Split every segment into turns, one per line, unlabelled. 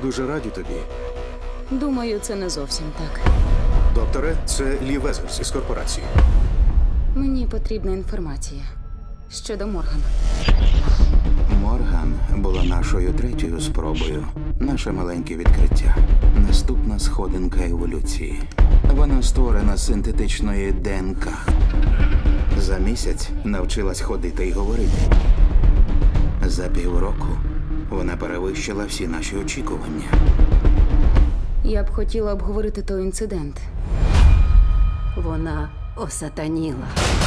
дуже раді тобі.
Думаю, це не зовсім так.
Докторе, це Лі Везерс із корпорації.
Мені потрібна інформація щодо Морган.
Морган була нашою третьою спробою. Наше маленьке відкриття. Наступна сходинка еволюції. Вона створена з синтетичної ДНК. За місяць навчилась ходити і говорити. За півроку вона перевищила всі наші очікування.
Я б хотіла обговорити той інцидент.
Вона осатаніла.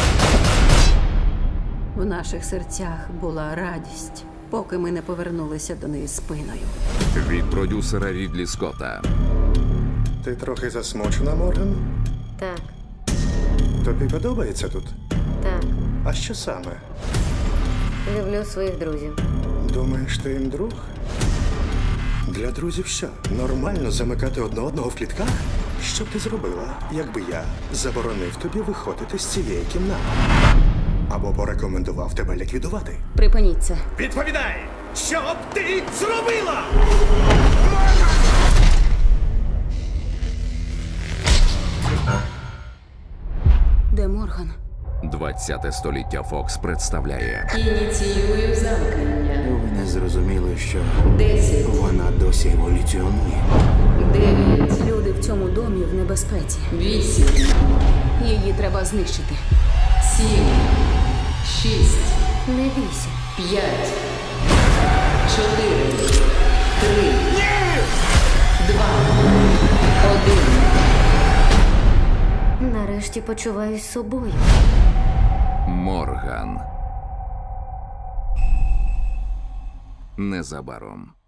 В наших серцях була радість, поки ми не повернулися до неї спиною.
Від продюсера Рідлі Скотта.
Ти трохи засмучена, Морган?
Так,
Тобі подобається тут?
так.
А що саме?
Люблю своїх друзів.
Думаєш, ти їм друг? Для друзів що? Нормально замикати одне одного в клітках? Що б ти зробила, якби я заборонив тобі виходити з цієї кімнати? Або порекомендував тебе ліквідувати?
Припиніть це.
Відповідай! Що б ти зробила?
Де Морган?
20-те століття Фокс представляє
Ініціюю замкнення.
Ви не зрозуміли, що
10,
вона досі еволюціонує.
9,
Люди в цьому домі в небезпеці.
8,
Її треба знищити.
7, 6,
Не бійся.
5, 4, 3, 2, 1.
Нарешті почуваюсь собою.
Морган. Незабаром.